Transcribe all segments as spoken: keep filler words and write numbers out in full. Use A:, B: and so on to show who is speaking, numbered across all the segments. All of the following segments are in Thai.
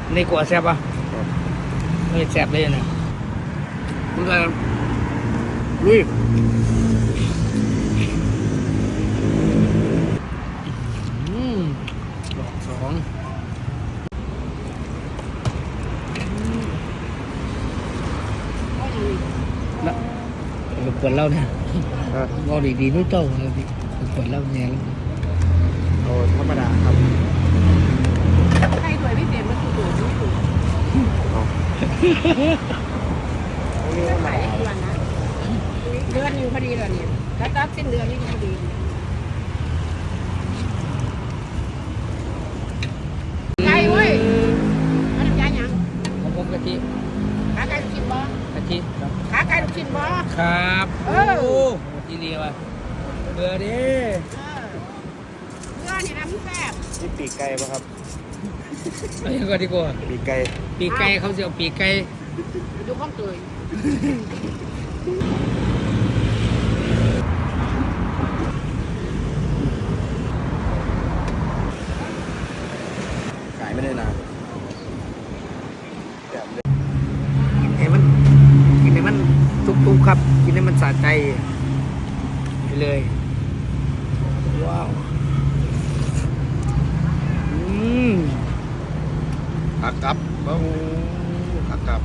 A: ในกัวแซ่บป่ะเฮ้ยแซ่บเลยนะมึงก็ลุยอืมดอกสองแล้วเปิดเล่าเนี่ยงอดีๆนู้เจ้าเลยพี่เปิดเล่าเนี่ยแล้ว
B: โอ้ธรรมดาครับ
C: ใครถวยพี่เต็มมันถูกถูกถูกเดือนไหนเดือนนะเดือนหนึ่งพอดีเลยเนี่ยแล้วตัดสิ้นเดือนนี่พอดีไก่เว้ยมันยาหยัง
A: ของผมกะทิ
C: ขาไก่ลูกชิ้นบ่
A: กะทิครับ
C: ขาไก่ลูกชิ้นบ่
A: ครับ
C: เออ
A: ทีเดียวอ่ะเบื่อดิ
C: เนื้อนี่นะมันแซ่บ
B: นี่ปีกไก่ป่ะครับ
A: เอาอย่างก่อนดีกว่า
B: ปีกไก่
A: ปีกไก่เขาจะเอาปีกไก่
C: ดูข้องเตย
B: ไก่ไม่ได้นานแบบเลย
A: กินให้มันกินให้มันทุกๆครับกินให้มันสะใจไปเลยว้าวอืม
B: ขากับโอ้โหขากับ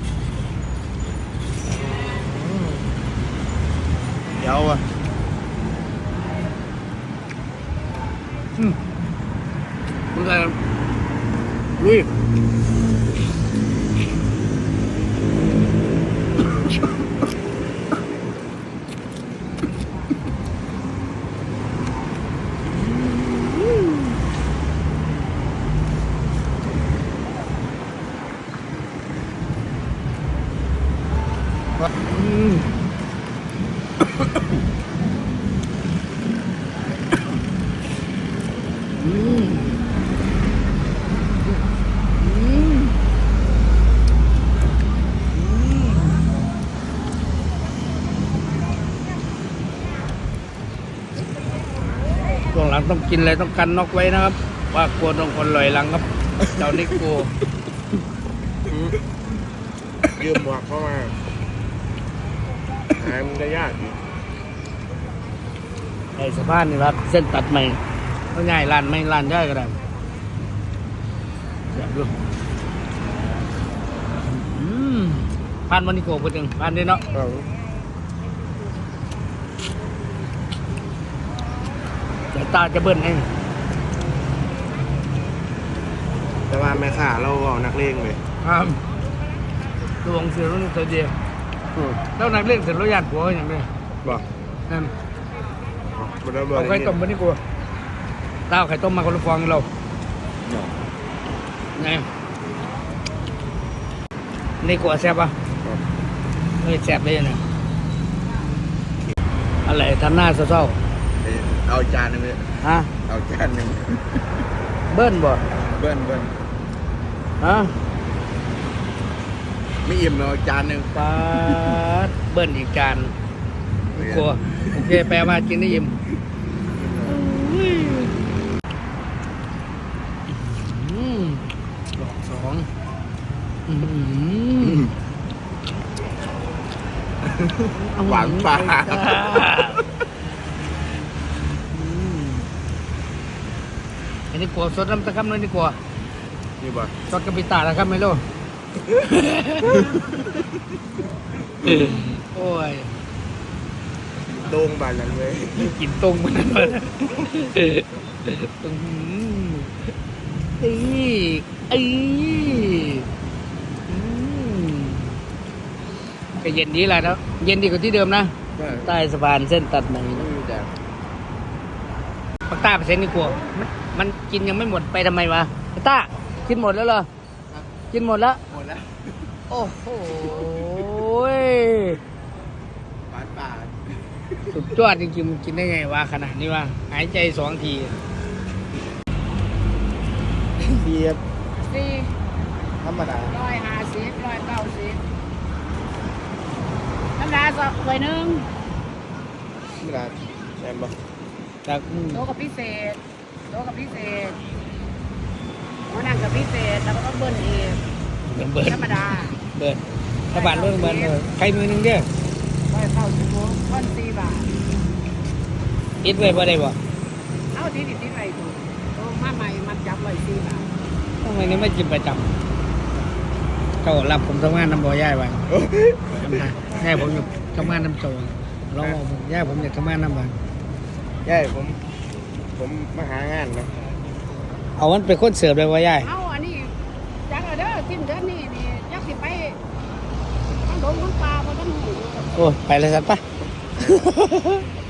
B: เดี๋ยวอ่ะ
A: อืมมึงก็ลุยอืมอืมอืมช่วงหลังต้องกินอะไรต้องกันน็อกไว้นะครับว่ากลัวต้องคนลอยหลังครับเจ้านิโก้
B: ยืมหมวกเข้ามาหายมันจะยากอีก
A: ไอ้สะพานนี่ครับเส้นตัดใหม่ก็ง่ายลานไม่ลานได้ก็ได้อยากดูอืมผ่านวันนี้โกพูดถึงผ่านได้เนาะเดี๋ยวตาจะเบิ้ลให้
B: แต่ว่าแม่ข่าเราเอานักเลงเลย
A: ครับดวงเสือรุ่นตัวเดียวแล้วนักเล่นเสร็จแล้วญาติผัวอย่างนี้
B: บอก
A: นั่น
B: เอา
A: ไข่ต้มวันนี้กูตาเอาไข่ต้มมาคนละฟองเราไงในกัวแซ่บป่ะเฮ้ยแซ่บเลยนะอะไรทำหน้าเศร้า
B: ๆเอาจานหนึ่งเลย
A: ฮะ
B: เอาจานหนึ่ง
A: เบิ้ลบ่
B: เบิ้ลเบิ้ล
A: ฮะ
B: ไม่อิ่มเราจานหนึ่ง
A: ปาดเบิ้ลอีกจานกลัวโอเคแปลว่ากินได้อิ่มดอกสอง
B: หวานปลา
A: อันนี้กลัวสดน้ำตะกั่มเลยนี่กลัว
B: นี่บ่
A: สดกระปิตาแล้วครับไม่รู้โอ้ย
B: โด่งบานนั้นเลย
A: กินตรงมันเลยตรงเอ้ยเอ้ยก็เย็นดีแหละนะเย็นดีกว่าที่เดิมนะใต้สะพานเส้นตัดใหม่ปักต้าไปเซ็นนี่กลัวมันมันกินยังไม่หมดไปทำไมวะปักต้ากินหมดแล้วเหรอกินหมดแล้ว
B: หมดแล้ว
A: โอ้โห
B: หวานป่า
A: สุดยอดจริงๆมันกินได้ไงวะขนาดนี้วะหายใจสองที
B: เบียบ
C: สี่
B: ธรรมดา
C: ร้อยห้าสิบร้อยเก้าสิบธรรมดาสองถ้วยหนึ่ง
B: ธรรมดาแอมบ่
A: จาก
C: โต๊ะกับพิเศษโต๊ะกับพิเศษหัวนั่งกับพิเศษแล้วก็ต้องเบิ้ลอีก
A: เบิร์ด
C: ธรรมดา
A: เบิร์ดถ้าบาทเรื่องเบิร์ดเออใครมือหนึงเด้อ
C: ร้อยเก้าสิบโลท่อนสี่บาท
A: อิดไว้บ่ได้บ่
C: เอาที่ดิบที่ไรดูโอ้มาใหม่มันจับร้อยสี่บาท
A: ทำไมนี่ไม่กินประจำเขารับผมทำงานน้ำบ่อย่ายไว้ย่ายผมอยู่ทำงานน้ำโจเราบอกผมย่ายผมอยากทำงานน้ำบ่
B: ใช่ผม ผมมาหางานนะ
A: เอามันเป็นคนเสิร์ฟเลยว่าย่าย
C: เอาอันนี้จังเอาเด้อสิ้นเดือนนี้นี่ยักสิไปทั้งดงทั้งปลาบ่ทั้งหู
A: โอ้ยไปเลยสัตว์ปะ